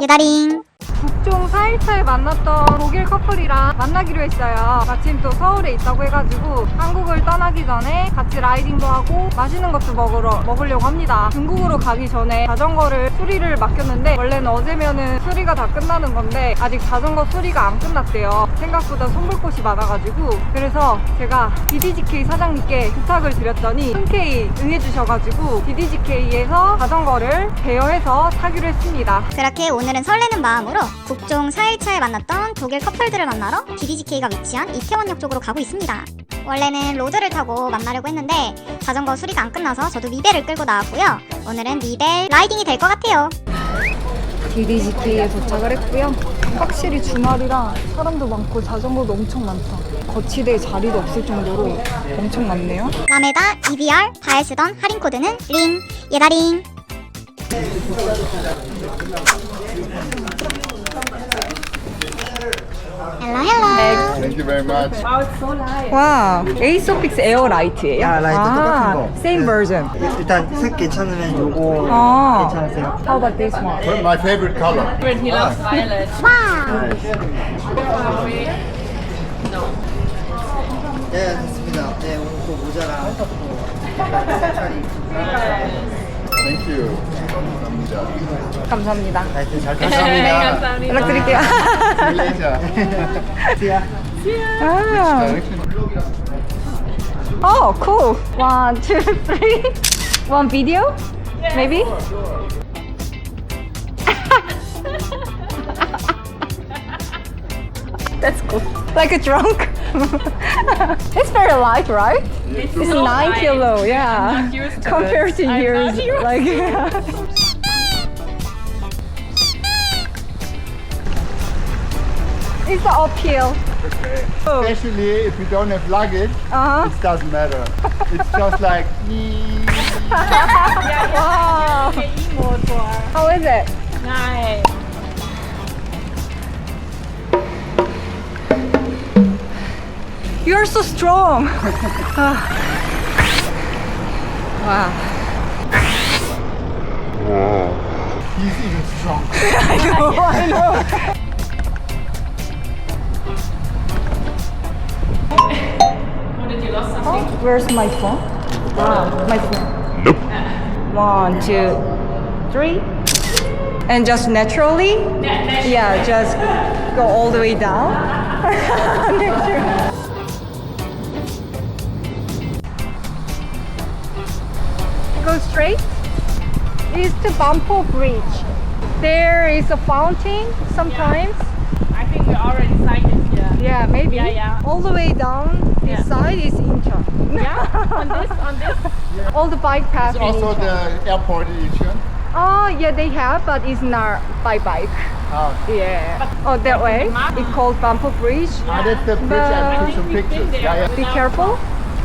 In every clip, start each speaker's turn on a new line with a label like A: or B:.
A: 예다링.
B: 북중 4일차에 만났던 독일 커플이랑 만나기로 했어요. 마침 또 서울에 있다고 해가지고 한국을 떠나기 전에 같이 라이딩도 하고 맛있는 것도 먹으려고 합니다. 중국으로 가기 전에 자전거를 수리를 맡겼는데 원래는 어제면은 수리가 다 끝나는 건데 아직 자전거 수리가 안 끝났대요. 생각보다 손볼 곳이 많아가지고 그래서 제가 DDGK 사장님께 부탁을 드렸더니 흔쾌히 응해주셔가지고 DDGK에서 자전거를 대여해서 타기로 했습니다.
A: 그렇게 오늘은 설레는 마음으로 북중 4일차에 만났던 독일 커플들을 만나러 DDGK가 위치한 이태원역 쪽으로 가고 있습니다. 원래는 로드를 타고 만나려고 했는데 자전거 수리가 안 끝나서 저도 미벨을 끌고 나왔고요. 오늘은 미벨 라이딩이 될 것 같아요.
B: DDGK에 도착을 했고요. 확실히 주말이라 사람도 많고 자전거도 엄청 많다. 거치대에 자리도 없을 정도로 엄청 많네요.
A: 라메다 EBR 다에 쓰던 할인 코드는 링 예다링. 헬로.
C: Thank you very much.
B: 와, 에이소픽스 에어 라이트예요?
D: 아, 라이트 똑같은 거.
B: same version.
D: 일단 색 괜찮으면 요거
B: 아.
D: 괜찮으세요?
B: How about this one?
C: My favorite color.
E: He loves violet.
D: 네, 됐습니다. 네, 오늘 또 모자랑
C: Thank you. 감사합니다.
B: 감사합니다.
D: 라이트 잘
C: 감사합니다.
B: 연락드릴게요.
C: See you later.
B: 아. Oh, cool. 1, 2, 3. One video? Maybe? That's cool. Like a drunk. It's very light, right? It's
E: so
B: 9
E: light.
B: kilo, yeah.
E: I'm not used to
B: Compared
E: this.
B: to
E: I'm
B: yours,
E: not used
B: like it's the uphill. Oh.
C: Especially if you don't have luggage,
B: Uh-huh.
C: it doesn't matter. It's just like
B: Wow.
E: E-motor.
B: How is it?
E: Nice.
B: You're so strong. Wow.
C: he's even strong.
B: I know.
E: What did you lost something?
B: Where's my phone? My phone. Nope. 1, 2, 3. And just naturally? Yeah, just go all the way down. Go straight. Is to Bampo Bridge. There is a fountain sometimes.
E: I think we already signed it here.
B: Yeah, maybe.
E: Yeah.
B: All the way down this
E: Yeah.
B: side is Incheon.
E: Yeah, on this.
B: All the bike paths.
C: It's
B: in
C: also
B: Incheon.
C: the airport edition.
B: Oh, yeah, they have, but it's not by bike.
C: Ah,
B: Yeah. Oh, that way. It's called Bampo Bridge.
C: that's the bridge. I took some pictures. Yeah, yeah.
B: Be careful.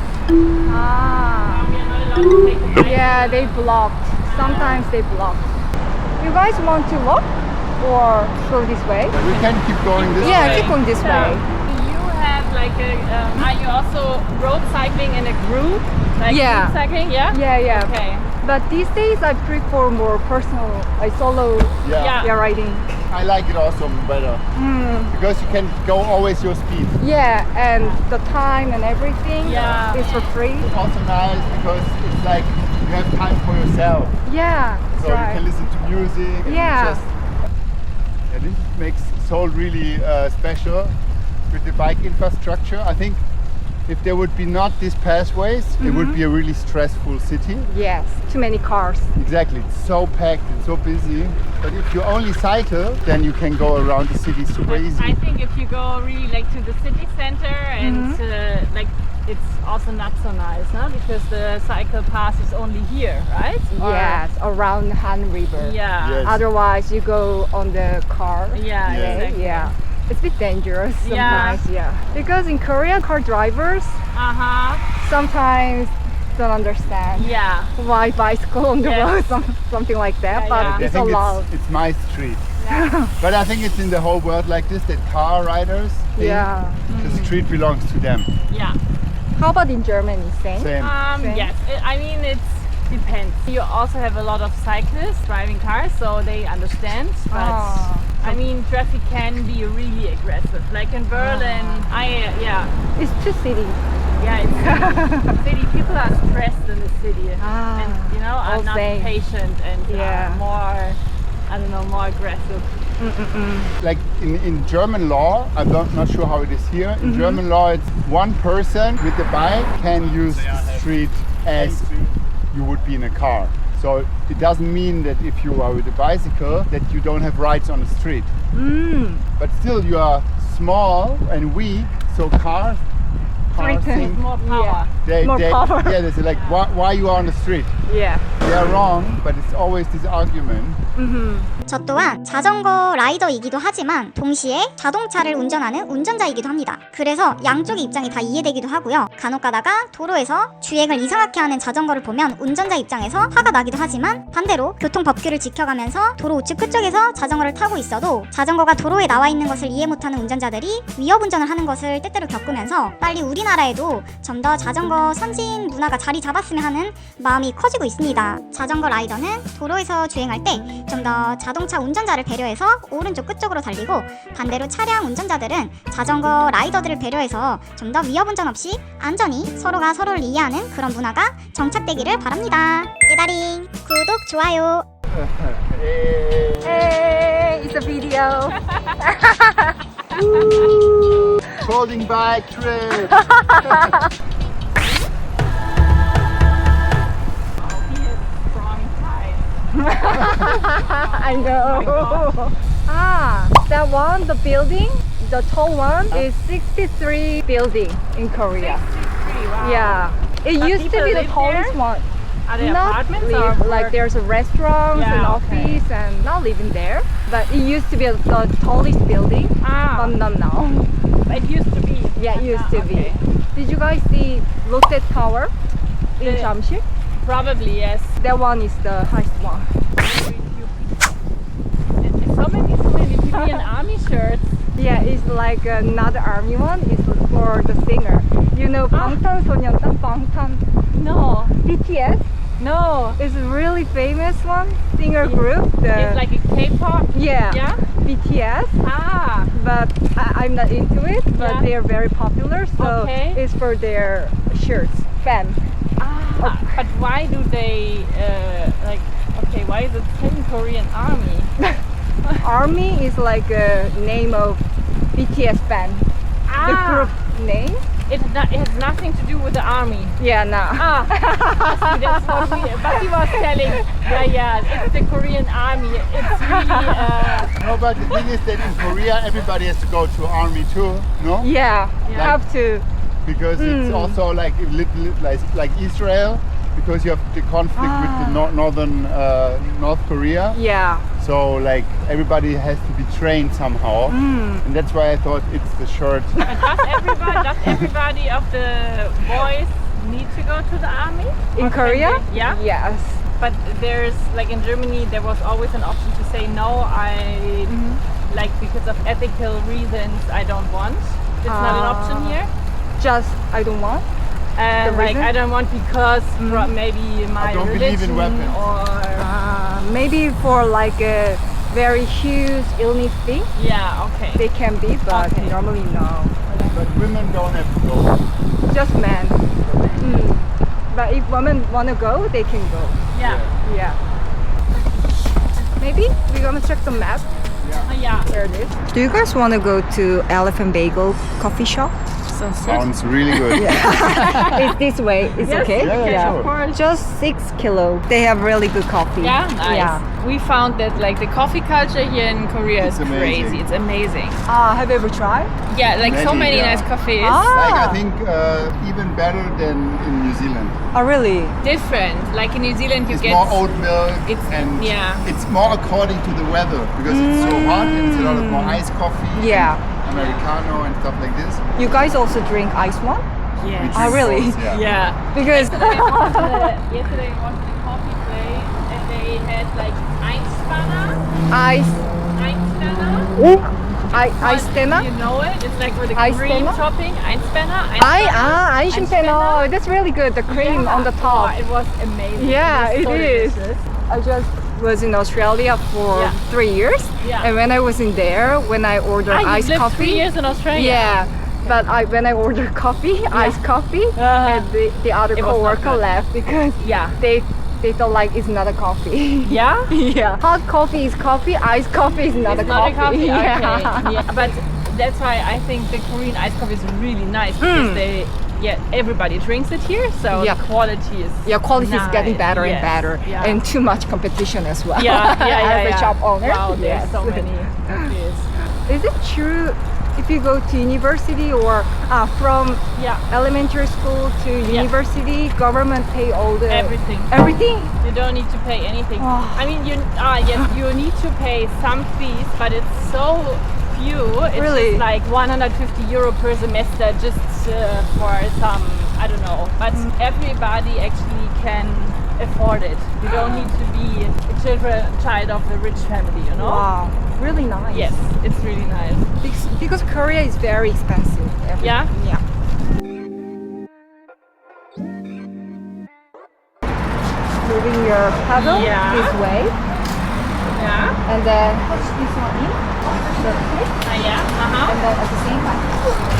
B: Ah.
E: We are not allowed to take a break.
B: Yeah, they blocked. Sometimes they block. You guys want to walk or go this way?
C: We can keep going this
B: Yeah,
C: way.
B: keep going this way.
E: Do you have like a, are you also road cycling in a group? Like
B: Yeah.
E: group cycling, yeah?
B: Yeah, yeah.
E: Okay.
B: But these days I prefer more personal, like solo
E: Yeah.
B: riding.
C: I like it also better because you can go always your speed.
B: Yeah, and the time and everything
E: Yeah.
B: is for free.
C: Also nice because it's like you have time for yourself,
B: Yeah,
C: so
B: that's
C: you
B: right.
C: can listen to music. And
B: Yeah.
C: this makes Seoul really special with the bike infrastructure. I think if there would be not these pathways, it would be a really stressful city.
B: Yes, too many cars.
C: Exactly, it's so packed and so busy. But if you only cycle, then you can go around the city super
E: I
C: easy.
E: think if you go really like to the city center and like it's also not so nice, no? Because the cycle path is only here, right? Or-
B: Yes, around Han River.
E: Yeah.
C: Yes.
B: Otherwise, you go on the car.
E: Yeah,
C: Yeah.
E: exactly.
B: Yeah. It's a bit dangerous
E: Yeah.
B: sometimes, yeah. Because in Korea, car drivers
E: Uh-huh.
B: sometimes don't understand
E: Yeah.
B: why bicycle on the
E: Yes.
B: road, something like that,
E: Yeah,
B: but
E: yeah.
C: I
B: it's
C: think
B: allowed.
C: it's my street. But I think it's in the whole world like this, that car riders think
B: Yeah.
C: the street belongs to them.
E: Yeah.
B: How about in Germany, same?
C: Same.
B: Same.
E: Yes. I mean, it's depends. You also have a lot of cyclists driving cars, so they understand. But
B: Ah.
E: I mean, traffic can be really aggressive. Like in Berlin,
B: It's too city.
E: it's city. People are stressed in the city,
B: Ah,
E: and you know, are
B: all
E: not
B: same.
E: patient and
B: Yeah.
E: more, I don't know, more aggressive.
C: Like in German law, I'm not sure how it is here. In German law, it's one person with the bike can use the street as you would be in a car. So it doesn't mean that if you are with a bicycle that you don't have rights on the street. But still you are small and weak, so cars think
E: More power.
B: More power.
C: yeah, they say like why you are on the street.
B: Yeah.
C: They are wrong, but it's always this argument.
A: 저 또한 자전거 라이더이기도 하지만 동시에 자동차를 운전하는 운전자이기도 합니다. 그래서 양쪽의 입장이 다 이해되기도 하고요. 간혹 가다가 도로에서 주행을 이상하게 하는 자전거를 보면 운전자 입장에서 화가 나기도 하지만 반대로 교통법규를 지켜가면서 도로 우측 끝쪽에서 자전거를 타고 있어도 자전거가 도로에 나와 있는 것을 이해 못하는 운전자들이 위협 운전을 하는 것을 때때로 겪으면서 빨리 우리나라에도 좀 더 자전거 선진 문화가 자리 잡았으면 하는 마음이 커지고 있습니다. 자전거 라이더는 도로에서 주행할 때 좀 더 자동차 운전자를 배려해서 오른쪽 끝쪽으로 달리고 반대로 차량 운전자들은 자전거 라이더들을 배려해서 좀 더 위협 운전 없이 안전히 서로가 서로를 이해하는 그런 문화가 정착되기를 바랍니다. 예다링 구독 좋아요.
B: Hey, it's a video.
C: Folding bike trip.
E: He has strong ties.
B: I know. That one, the building, the tall one is 63 building in Korea.
E: 63, wow.
B: Yeah. It
E: But
B: used to
E: people
B: be the
E: live
B: tallest
E: there?
B: one.
E: Are they
B: Not
E: apartments
B: live,
E: or
B: like
E: work?
B: there's a restaurant and
E: Yeah, okay.
B: office and not living there. But it used to be the tallest building.
E: Ah,
B: But not now.
E: it used to be.
B: Yeah, it used to
E: Okay.
B: be. Did you guys see Lotte Tower in
E: The-
B: Jamshid?
E: Probably, yes.
B: That one is the highest one.
E: So many people in army shirts.
B: Yeah, it's like another army one. It's for the singer. You know 방탄소년단, 방탄,
E: No,
B: BTS.
E: no.
B: It's a really famous one singer group.
E: It's like a K-pop.
B: yeah,
E: Yeah.
B: BTS.
E: Ah,
B: But I'm not into it. But
E: Yeah.
B: they are very popular, so
E: Okay.
B: it's for their shirts, fans.
E: but why do they like? Okay, why is it saying Korean Army?
B: Army is like a name of BTS band. The group name.
E: It has nothing to do with the army.
B: Yeah, no.
E: See, that's what Bati was telling. Yeah, it's the Korean army. It's really.
C: No, but the thing is that in Korea everybody has to go to army too, no?
B: Yeah,
E: Yeah.
B: have to.
C: Because it's also like a little like Israel, because you have the conflict with the northern North Korea.
B: Yeah.
C: So like everybody has to be trained somehow, and that's why I thought it's the shirt.
E: Does everybody of the boys need to go to the army?
B: In
E: Or can
B: Korea?
E: they- yeah.
B: Yes.
E: But there's like in Germany, there was always an option to say no. Like because of ethical reasons, I don't want. It's not an option here.
B: Just I don't want.
E: Like
B: reason?
E: I don't want because maybe my
C: don't believe in
E: religion
C: weapons.
E: or
B: Maybe for like a very huge illness thing,
E: yeah. Okay.
B: they can be, but
E: Okay.
B: normally no.
C: But women don't have to go.
B: Just men. But if women wanna go, they can go.
E: Yeah.
B: Yeah. Maybe we're gonna check the map.
E: Yeah.
B: There it is. Do you guys wanna go to Elephant Bagel coffee shop?
C: Sounds really good.
B: It's this way. It's
E: Yes,
B: okay.
C: Yeah, sure.
E: Of course.
B: Just 6 kilo. They have really good coffee.
E: Yeah, nice.
B: Yeah.
E: We found that like the coffee culture here in Korea
C: It's
E: is
C: amazing.
E: crazy. It's amazing.
B: Have you ever tried?
E: Yeah, like so
C: Many,
E: many
C: yeah.
E: nice cafes.
C: Like I think even better than in New Zealand.
B: Oh, really?
E: Different. Like in New Zealand, you
C: It's
E: get
C: more oat milk
E: it's-
C: and
E: yeah.
C: it's more according to the weather because it's so hot and it's a lot of more iced coffee,
B: Yeah.
C: Americano and stuff like this.
B: You guys also drink ice one?
E: Yes.
C: We
B: Oh,
C: drink
B: really?
C: both, yeah.
E: Yeah.
B: Because
E: Yesterday we went to the coffee place and they had like Einspanner.
B: ice.
E: Einspanner.
B: Eispenner?
E: You know it? It's like with the cream
B: Eispenner?
E: topping. Eispenner.
B: Eispenner. That's really good. The cream on the top.
E: Oh, it was amazing.
B: Yeah,
E: it
B: it
E: was so
B: is.
E: delicious.
B: I just was in Australia for
E: Yeah.
B: 3 years,
E: Yeah.
B: and when I was in there, when I ordered
E: You
B: iced
E: lived
B: coffee,
E: 3 years in Australia.
B: yeah. But when I ordered coffee, iced coffee, and the other
E: It was not
B: coworker
E: good.
B: left because
E: Yeah.
B: they felt like it's not a coffee.
E: Yeah?
B: Yeah, hot coffee is coffee, iced coffee is not,
E: It's
B: a,
E: not
B: coffee.
E: a coffee. Okay.
B: Yeah.
E: Yeah. But that's why I think the Korean iced coffee is really nice because everybody drinks it here, so
B: Yeah.
E: the quality is
B: Yeah, quality is getting
E: nice.
B: better and
E: Yes.
B: better,
E: Yeah.
B: and too much competition as well.
E: yeah,
B: As a shop owner,
E: Wow, there's
B: yes.
E: so many cafes.
B: Is it true if you go to university or from
E: Yeah,
B: elementary school to university, government pay all the
E: everything.
B: everything?
E: You don't need to pay anything.
B: Oh.
E: I mean, yes, you need to pay some fees, but it's so few. It's
B: Really?
E: just like 150 euro per semester just for some, I don't know. But everybody actually can afford it. You don't need to be a child of a rich family, you know?
B: Wow, really nice.
E: Yes, it's really nice.
B: Because Korea is very expensive.
E: Yeah?
B: Yeah. Moving your paddle
E: Yeah.
B: this way,
E: Yeah.
B: and then push this one in,
E: Yeah. Uh-huh.
B: and then at the same time,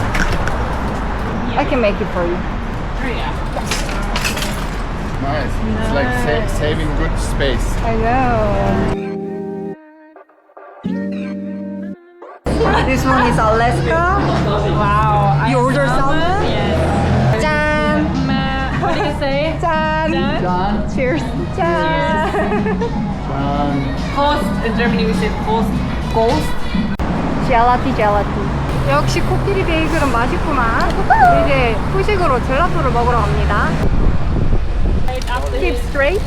B: I can make it for you.
E: Yeah.
C: Nice. It's like saving good space.
B: I know. This one is Alaska.
E: Wow.
B: You order salmon?
E: Yes.
B: 짠!
E: What do you say?
B: 짠!
C: Done.
B: Cheers! 짠!
C: Done.
E: Prost. In Germany we say Prost.
B: Ghost? 젤라티. 역시 코끼리 베이글은 맛있구만. 이제 후식으로 젤라또를 먹으러 갑니다.
E: Right after
B: Keep straight.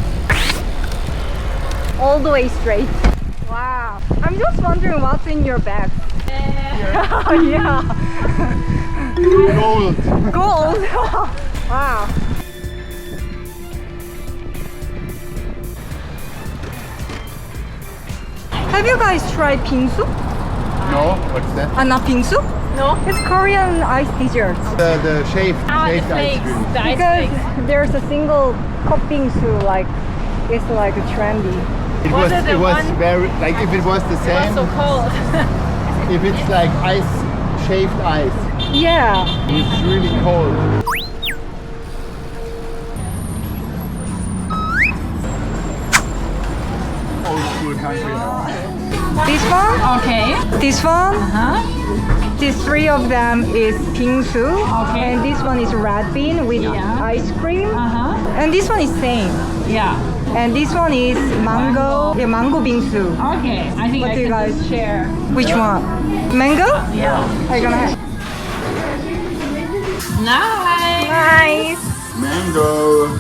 B: All the way straight. Wow. I'm just wondering what's in your bag. Oh, yeah.
C: Gold.
B: Gold. Wow. Have you guys tried bingsu?
C: No, what's that?
B: Not bingsu?
E: No.
B: It's Korean ice dessert.
C: The shaved,
E: The
C: shaved ice
E: flakes.
C: cream.
E: The ice
B: Because
E: flakes.
B: there's a single cup bingsu, like it's like trendy.
C: It
E: Was
C: was,
E: it the
C: it was
E: one-
C: very, like if it was the
E: It's
C: same,
E: so cold.
C: if it's like ice, shaved ice,
B: Yeah.
C: it's really cold. Old school country now.
B: This one,
E: Okay.
B: this one,
E: Huh?
B: these three of them is bingsu,
E: Okay.
B: and this one is red bean with ice cream,
E: Uh-huh.
B: and this one is same,
E: Yeah.
B: and this one is mango, yeah, mango bingsu.
E: Okay. I think
B: What
E: I
B: do you
E: can
B: guys-
E: just share.
B: Which one? Mango?
E: Yeah.
B: Are you gonna have?
E: Nice.
B: Nice.
C: Mango.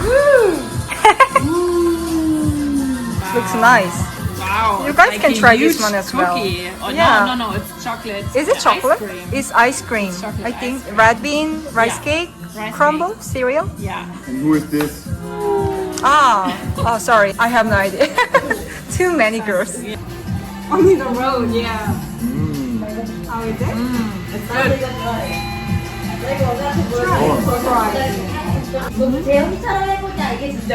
B: Looks nice.
E: Wow.
B: You guys
E: it's
B: can
E: a
B: try this
E: huge
B: one as well.
E: cookie. Oh,
B: Yeah.
E: No, it's chocolate.
B: Is it
E: Ice
B: chocolate?
E: cream.
B: It's ice cream.
E: chocolate
B: I think
E: ice
B: red bean, rice
E: Yeah.
B: cake,
E: Rice
B: crumble, cereal.
E: Yeah.
C: And who is this?
B: Oh, sorry, I have no idea. Too many girls.
E: On the road, yeah.
B: How is it?
E: It's good.
F: 제 형처럼 해보자 이게 진짜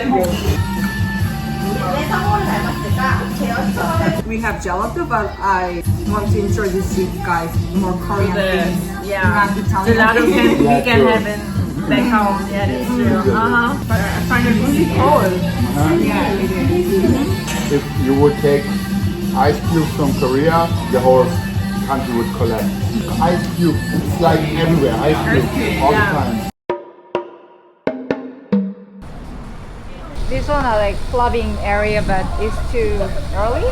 F: 왜 상호를 닮았을까? 제 형처럼
G: We have gelato, but I want to introduce you guys more Korean things.
E: Yeah.
G: Not Italian.
E: Gelato can, we can
C: Gelato.
E: have in back home. Yeah, that's true. Uh-huh.
G: But I find it really cold. Yeah, it is.
C: If you would take ice cubes from Korea, the whole country would collapse. Ice cube, it's like everywhere, ice cube, all the time.
B: This one are like clubbing area, but it's too early.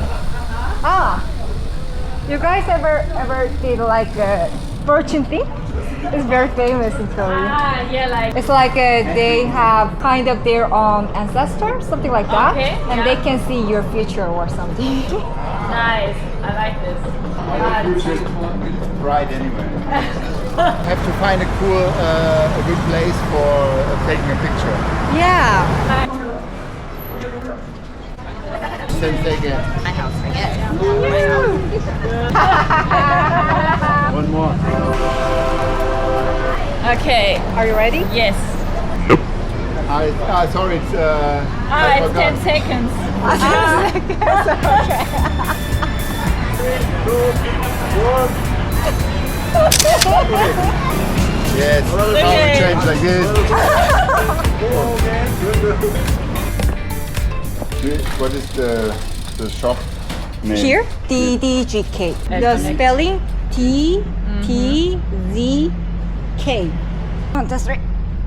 B: You guys ever did like a fortune thing? It's very famous in Korea.
E: Ah, yeah, like
B: It's like they have kind of their own ancestor, something like that,
E: Okay,
B: and
E: yeah.
B: they can see your future or something.
E: nice. I like this.
C: My future is bright anyway. Have to find a cool, a good place for taking a picture.
B: Yeah.
C: Same thing again.
E: Okay.
B: Are you ready?
E: Yes.
C: Sorry, it's
E: Ah,
C: I
E: it's
C: forgot.
E: 10 seconds.
C: Yes, now we change like this. What is the shop name?
B: Here, TDGK. The spelling TTZK. 1, 2, 3.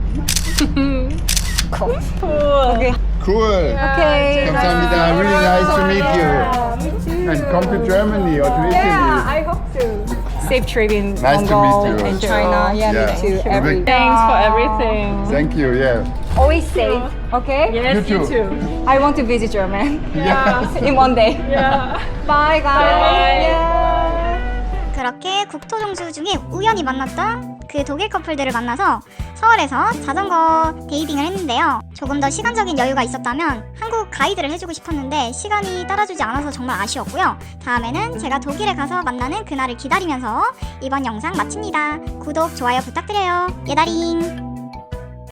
B: Cool. Okay.
C: Cool.
B: Okay.
C: 감사합니다. Really nice to meet you. And come to Germany or to Italy.
B: I hope to. Safe trip in
C: Nice to
B: Mongol
C: meet you.
B: and China. Yeah,
C: Yeah.
B: me too.
C: Sure.
B: Every
E: Thanks for everything.
C: Thank you. Yeah.
B: always safe. Okay.
E: Yes,
C: You
E: you
C: too.
E: too.
B: I want to visit German
C: Yeah.
B: in one day.
E: Yeah.
B: Bye, guys.
E: Bye.
B: Yeah.
A: 그렇게 국토종주 중에 우연히 만났던 그 독일 커플들을 만나서 서울에서 자전거 데이빙을 했는데요. 조금 더 시간적인 여유가 있었다면 한국 가이드를 해주고 싶었는데 시간이 따라주지 않아서 정말 아쉬웠고요. 다음에는 제가 독일에 가서 만나는 그날을 기다리면서 이번 영상 마칩니다. 구독, 좋아요 부탁드려요. 예다링!